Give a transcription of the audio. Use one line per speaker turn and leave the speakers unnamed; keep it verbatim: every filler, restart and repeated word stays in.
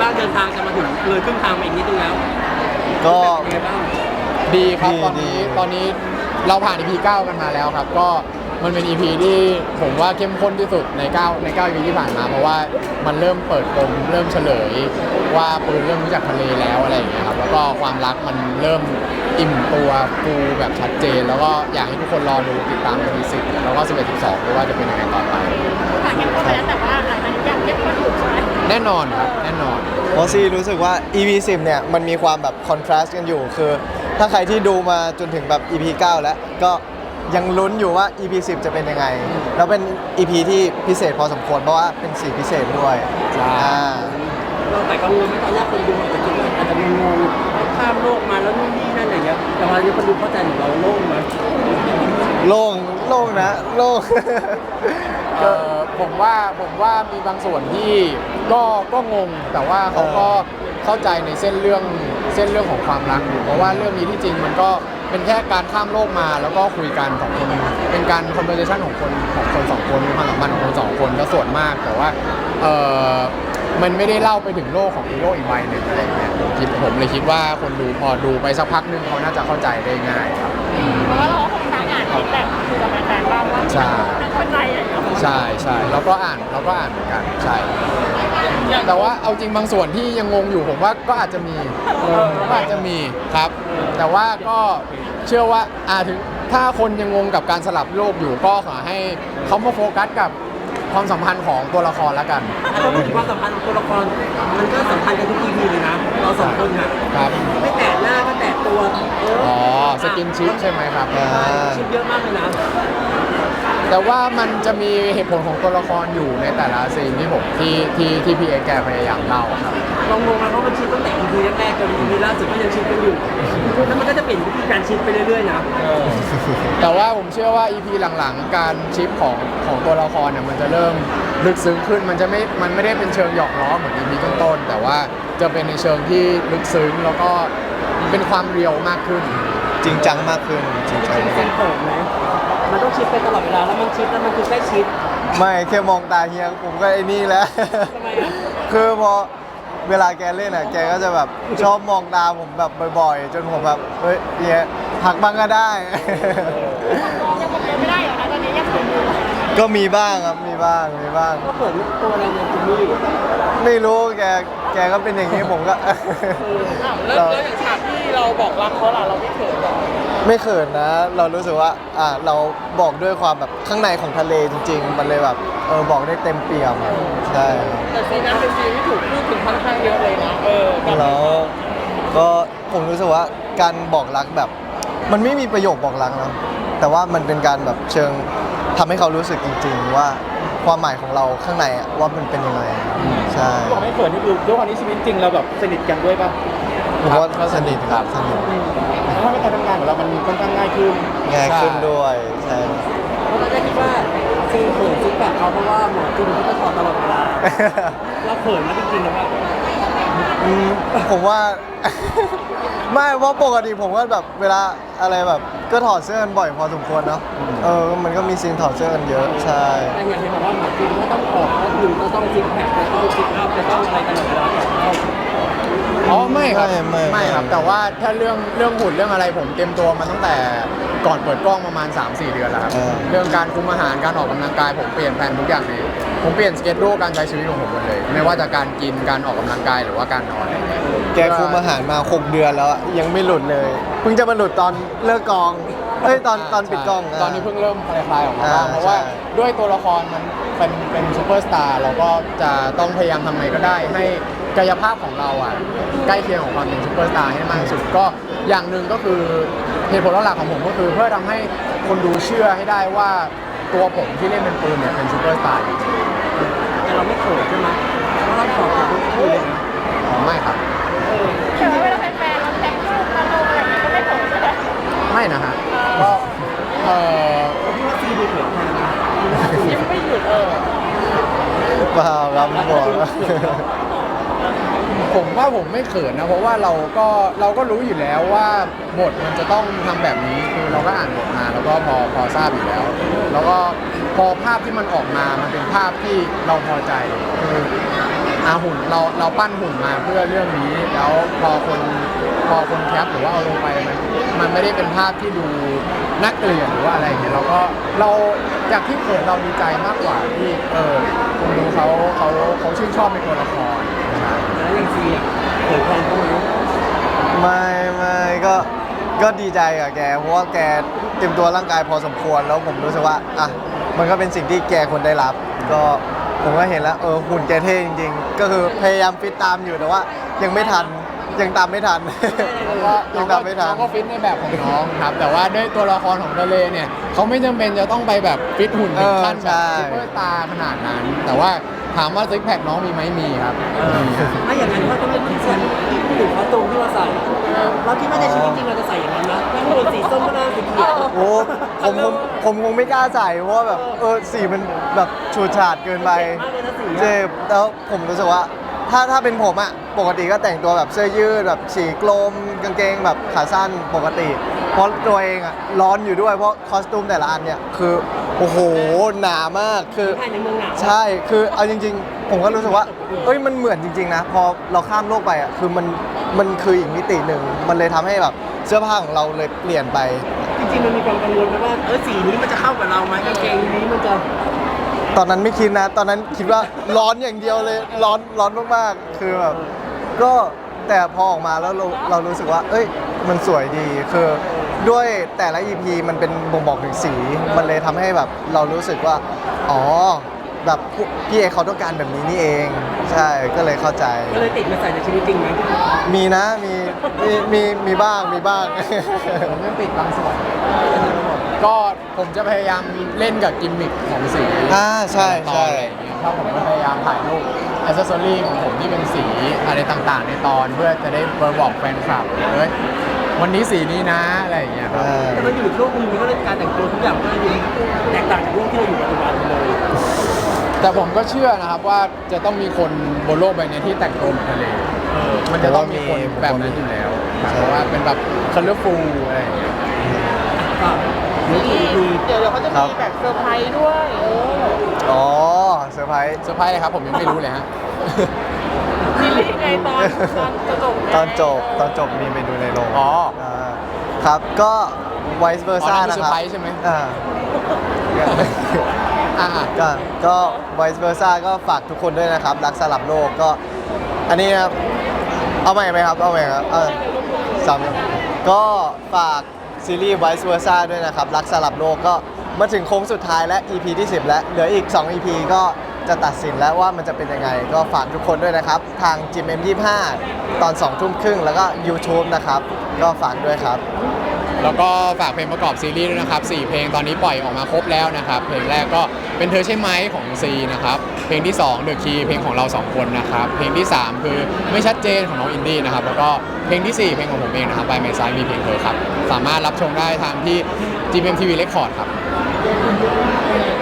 างเดินทางจะมาถึงเลยครึ่งทางมาอีกนิดนึงแล้ว
ก็
เป็นไงบ้าง
ดีครับ
ดี
ตอนนี้
ดี
ตอนนี้เราผ่าน อี พี เก้ากันมาแล้วครับก็มันเป็น อี พี ที่ผมว่าเข้มข้นที่สุดใน9ใน9 อี พี ที่ผ่านมาเพราะว่ามันเริ่มเปิดปมเริ่มเฉลยว่าปืนเริ่มรู้จักทะเลแล้วอะไรอย่างเงี้ยครับแล้วก็ความรักมันเริ่มอิ่มตัวฟูแบบชัดเจน แล้วก็อยากให้ทุกคนรอดูติดตาม อี พี สิบแล้วก็สิบเอ็ด สิบสองด้วยว่าจะเป็นยังไงต่อไป
ผ่านเข้มข้นไปแล้วแต่ว่าหลังจากนี้ยังเข้มข้นอยู่ใช่ไหม
แน่นอนครับแน่นอน
เพราะซีรู้สึกว่า อี พี สิบเนี่ยมันมีความแบบคอนทราสต์กันอยู่คือถ้าใครที่ดูมาจนถึงแบบ อี พี เก้า แล้วก็ยังลุ้นอยู่ว่า อี พี สิบจะเป็นยังไงแล้วเป็น อี พี ที่พิเศษพอสมควรเพราะว่าเป็นสีพิเศษด้วย
ใช่
อ่า
เราแต่กังวลไหมตอนแรกคนดูอาจจะคิดว่าอาจจะงงๆข้ามโลกมาแล้วนู่นนี่นั่นอะไรเงี้ยแต่วันนี้คนดูเข้าใจของเราโล่งไหม
โล่งโล่งนะโล่ง
เออผมว่าผมว่ามีบางส่วนที่ก็ก็งงแต่ว่าเขาก็เข้าใจในเส้นเรื่องเส้นเรื่องของความรักอยู่เพราะว่าเรื่องนี้ที่จริงมันก็เป็นแค่การข้ามโลกมาแล้วก็คุยกันของคนเป็นการ conversation ของคนของคนสองคนมีความสัมพันธ์ของคนสองคนก็ส่วนมากแต่ว่าเออมันไม่ได้เล่าไปถึงโลกของอีกโลกอีกใบหนึ่งอะไรอย่างเงี้ยผมคิดผมเลยคิดว่าคนดูพอดูไปสักพักหนึงเขาน่าจะเข้าใจได้ง่ายครับ
เพราะว่าเราก็คงนั่งอ่านฟีดแบ็กคือกับแฟนๆบ้างว่า
ใช่
เข้าใจอะไรอย่างเงี้ย
ใช่ใช่เราก็อ่านเราก็อ่านเหมือนกันใช่แต่ว่าเอาจริงบางส่วนที่ยังงงอยู่ผมว่าก็อาจจะมีก็อาจจะมีครับ แต่ว่าก็เชื่อว่าอาถึงถ้าคนยังงงกับการสลับโลกอยู่ก็ขอให้เขามาโฟกัสกับความสัมพันธ์ของตัวละครแล้วกัน
ถ้าพูดถึงความสัมพันธ์ของตัวละครมันก็สัมพันธ์กันทุก อี พี เลยนะเราสองคนอ่ะ
ครับ
ไม่แตะหน้าก็แตะตัวเออ
อ๋อสกินชิปใช่ไหมครับ
อ่า
ชิปเยอะมากเลยนะ
แต่ว่ามันจะมีเหตุผลของตัวละครอยู่ในแต่ละซีนที่ผมที่ที่ที่พี่เอแกพยายามเล่าครับ
ลองงงนะเพราะมันชิปตั้งแต่ อี พี แรกๆจน อี พี ล่าสุดก็ยังชิปกันอยู่แล้วมันก็จะเปลี่ยนวิธีการชิปไปเรื่อยๆนะ
แต่ว่าผมเชื่อว่า อี พี หลังๆ การชิปของของตัวละครเนี่ยมันจะเริ่มลึกซึ้งขึ้นมันจะไม่มันไม่ได้เป็นเชิงหยอกล้อเหมือน อี พี ต้นๆแต่ว่าจะเป็นในเชิงที่ลึกซึ้งแล้วก็เป็นความเรียวมากขึ้น
จริงจังมากขึ้นจริงจัง
เป็นเซนเปิดไหมมันต้องชิปไปตลอดเวลาแล้วมันชิปแล้วมันคือใกล้ชิด
ไม่แค่มองตาเฮียผมก็ไอ้นี่แล้ว
ทำไมอ่ะ
คือพอเวลาแกเล่นอ่ะแกก็จะแบบชอบมองตาผมแบบบ่อยๆ จนผมแบบเฮ้ยเฮียหักบ้างก็ได้
ยังคงไม่ได้เหรอคะตอนนี้ยังคงอยู่
ก็มีบ้างครับมีบ้างมีบ้าง
ก็เปิดตัวอะไรเนี่ยจิมมี่
ไม่รู้แกแกก็เป็นอย่างนี้ผมก็
แล้วแล้วอย่างฉากที่เราบอกรักเขาล่ะเราไม่เขินหรอ
ไม่เขินนะ เรารู้สึกว่าอ่าเราบอกด้วยความแบบข้างในของทะเลจริง ๆ มันเลยแบบเออบอกได้เต็มเปี่ยมใช่
แต่ซีนนั้นเป็นซีนที่ถูกพูดถึงค่อนข้างเยอะเลยนะเออ
แล้วก็ผมรู้สึกว่าการบอกรักแบบ มันไม่มีประโยคบอกรักนะแต่ว่ามันเป็นการแบบเชิงทำให้เขารู้สึกจริง ๆ ว่าความหมายของเราข้างในอะว่ามันเป็นยังไงใช่
บอกไม่เขินนี่คือด้วยความที่ชีวิตจริงเราแบบสนิทกันด้วยป่ะ
ผมว่าสนิทครับสนิท
ถ้าการทำงานของเรามันค่อนข้างง่ายขึ้น
ง่ายขึ้นด้วยใช่
เพราะเราได้คิดว่าซีเขินซิกแพคเขาเพราะว่าหมอจุนเขาจะถอดตลอดเวลาเราเขินมาจริงๆนะว่า
อืมผมว่า ไม่เพราะปกติผมก็แบบเวลาอะไรแบบก็ถอดเสื้อกันบ่อยพอสมควรเนาะเออมันก็มีซีนถอดเสื้อกันเยอะใช่
แต่อย่างที่บอกว่าหมอจุนก็ต้องออกก็คือก็ต้องซิกแพคจะต้องซิกอัพจะต้องอะไรตลอดเวลาก่อนเข้า
อ๋อไม่ครับ
ไม่ไม่
ไม่ครับ แต่ว่าถ้าเรื่องเรื่องหุ่นเรื่องอะไรผมเตรียมตัวมาตั้งแต่ก่อนเปิดกล้องประมาณ สามสี่ เดือนแล้วครับ
เออ
เรื่องการคุมอาหารการออกกำลังกายผมเปลี่ยนแผนทุกอย่างเลยผมเปลี่ยนสเกจดูการใช้ชีวิตของผมหมดเลย ไม่ว่าจะการกินการออกกำลังกายหรือว่าการนอนอะไรเงี้ย
แกคุมอาหารมาหกเดือนแล้วอะยังไม่หลุดเลยเพิ่งจะมาหลุดตอนเลิกกองเอ้ยตอนตอนปิดกล้อง
ตอนนี้เพิ่งเริ่มคลายๆออกมาบ้าง
อ่า
เพราะว่า
ใช่
ด้วยตัวละครมันเป็นเป็นซูเปอร์สตาร์เราก็จะต้องพยายามทำไงก็ได้ ให้กายภาพของเราอ่ะใกล้เคียงของความเป็นซูเปอร์สตาร์ให้มากที่สุดก็อย่างหนึ่งก็คือเหตุผลหลักของผมก็คือเพื่อทำให้คนดูเชื่อให้ได้ว่าตัวผมที่เล่นเป็นปืนเนี่ยเป็นซูเปอร์สตาร์จริง
แต่เราไม่เขินใช่ไหมเพราะเราถอดจากทุกทีเลยนะ
ๆอ๋อไม่ครับ
แต่ว่าเวลาแฟนๆเราแท็กรูปมาลงอะไรอย่างเงี้ยก็ไม่เขินใช่ไหม
ไม่นะฮะก็เออ
ผมคิดว่าซีดูเขินแทนนะ
ยังไม่หยุดเออ
เปล่าครับบอก
ผมว่าผมไม่เขินนะเพราะว่าเราก็เราก็รู้อยู่แล้วว่าบทมันจะต้องทำแบบนี้คือเราก็อ่านบทมาแล้วก็พอพอทราบอยู่แล้ว แล้วก็พอภาพที่มันออกมามันเป็นภาพที่เราพอใจคืออาหุ่นเราเราปั้นหุ่นมาเพื่อเรื่องนี้ แล้วพอคนพอคนแคปหรือว่าเอาลงไปมันมันไม่ได้เป็นภาพที่ดูน่าเกลียดหรือว่าอะไรอย่างเงี้ยเราก็เราจากที่เกิดเราดีใจมากกว่าที่เออคนดูเขาเขาเขาชื่นชอบในตัวละครใช่
แล้วยังซีอ่ะเผยแพร่เข้ามา
ไม่ไม่ก็ก็ดีใจกับแกเพราะว่าแกเตรียมตัวร่างกายพอสมควรแล้วผมรู้สึกว่าอ่ะมันก็เป็นสิ่งที่แกควรได้รับ ก็ผมก็เห็นแล้วเออหุ่นแกเท่จริงๆ ก็คือพยายามฟิตตามอยู่แต่ว่ายังไม่ทันยังตามไม่ทัน
ก็
ยังตามไม่ทัน
น้องก็ฟิตในแบบของน้องครับ แต่ว่าด้วยตัวละครของทะเลเนี่ยเขาไม่จำเป็นจะต้องไปแบบฟิตหุ่นถึงขั้น
เออใช่
แบบซุปเปอร์สตาร์ขนาดนั้น แต่ว่าถามว่าซิกแพคน้องมีไหมมีครับมีครับ
ถ้าอย่างนั้นก็ต้องเป็นที่ฉันพูดถึงคอสตูมที่เราใส่เราคิดว่าในชีวิตจริงเราจะใส่อย่างนั้นนะไม่ควรสีส้มก็ได้สีเขียว
โอ้ผมผมผมคงไม่กล้าใส่เพราะว่าแบบเออสีมันแบบฉูดฉาดเกินไป
มากเลยนะสี
เจ็บแล้วผมรู้สึกว่าถ้าถ้าเป็นผมอะปกติก็แต่งตัวแบบเสื้อยืดแบบสีกลมกางเกงแบบขาสั้นปกติ เพราะตัวเองอะร้อนอยู่ด้วยเพราะคอสตูมแต่ละอันเนี่ยคือโอ้โหหนามากคือ
ภายในเมืองหนาว
ใช่คือเอาจริง ๆ ผมก็รู้สึกว่าเอ้ยมันเหมือนจริงๆนะพอเราข้ามโลกไปอะคือมันมันคืออีกมิติหนึ่งมันเลยทำให้แบบเสื้อผ้าของเราเลยเปลี่ยนไป
จริงๆมันมีความกังวลไหมว่าเออสีนี้มันจะเข้ากับเราไหมกางเกงนี้มันจะ
ตอนนั้นไม่คิดนะ ตอนนั้นคิดว่าร้อนอย่างเดียวเลย ร้อนร้อนมากๆ คือแบบก็แต่พอออกมาแล้วเราเรารู้สึกว่า เอ้ย มันสวยดี คือด้วยแต่ละ อี พี มันเป็นบ่งบอกถึงสี มันเลยทำให้แบบเรารู้สึกว่า อ๋อ แบบพี่เอเขาต้องการแบบนี้นี่เอง ใช่ ก็เลยเข้าใจ
ก็เลยติดมาใส่ในชีวิตจริงไหม
มีนะ มี มีมีมีบ้าง มีบ้าง
ผมยังติดบางส่วนก็ผมจะพยายามเล่นกับกิมมิคของสี
อ่าใช่ใช่
ตอนอะไรอย่างเงี้ยถ้าผมก็พยายามถ่ายรูปอิสซอรี่ของผมที่เป็นสีอะไรต่างๆ ในตอนเพื่อจะได้บอกแฟนคลับเฮ้ยวันนี้สีนี้นะอะไรอย่างเงี้ยครับ
แต่มันอยู่ช่วงนึงมันก็เลยการแต่งตัวทุกอย่างก็เลยแตกต่างจากช่วงที่เราอยู่ปัจจุบันเลย
แต่ผมก็เชื่อนะครับว่าจะต้องมีคนบนโลกใบนี้ที่แต่งตัวเหมือนทะเลมันจะต้องมีคนแบบนั้นอยู่แล้วครับเพราะว่าเป็นแบบคัลเลอร์ฟูลอะไรอย่างเงี้ย
ก็เดี๋ยวอีกที
เดี๋ยวเดี๋ยวเขาจะมีแบบเซอร์ไพรส์ด้วยเออ
อ๋อเซอร์ไพรส์
เซอร์ไพรส์เลยครับผมยังไม่รู้เลยฮะ
ซีรีส์ไงตอนตอนจะจบไง
ตอนจบตอนจบมีไปดูในโรง
อ๋อ
าครับก็ vice
อ๋อ
versa
นั่นคือ
นะ
เซอ
ครับ
ร์ไพรส์ใช่ไหม
อ่า
อ่า
ก็ก็ vice versa ก็ฝากทุกคนด้วยนะครับ รักสลับโลกก็ อันนี้นะครับ เอาใหม่ไหมครับ เอาใหม่ครับเออสามก็ฝากซีรีส์ vice versa ด้วยนะครับ รักสลับโลกก็มาถึงโค้งสุดท้ายและ อี พี ที่ สิบ แล้ว เหลืออีก สอง อี พี ก็จะตัดสินแล้วว่ามันจะเป็นยังไง ก็ฝากทุกคนด้วยนะครับ ทาง จี เอ็ม ยี่สิบห้า ตอนสองทุ่มครึ่งแล้วก็ YouTube นะครับ ก็ฝากด้วยครับ
แล้วก็ฝากเพลงประกอบซีรีส์ด้วยนะครับสี่เพลงตอนนี้ปล่อยออกมาครบแล้วนะครับ เพลงแรกก็เป็นเธอใช่ไหมของซีนะครับ เพลงที่สอง The Key เพลงของเราสองคนนะครับ เพลงที่สามคือไม่ชัดเจนของน้องอินดี้นะครับ แล้วก็เพลงที่สี่เพลงของผมเองนะครับ By My Side มีเพลงเธอครับ สามารถรับชมได้ทางที่ จี เอ็ม ที วี Record ครับ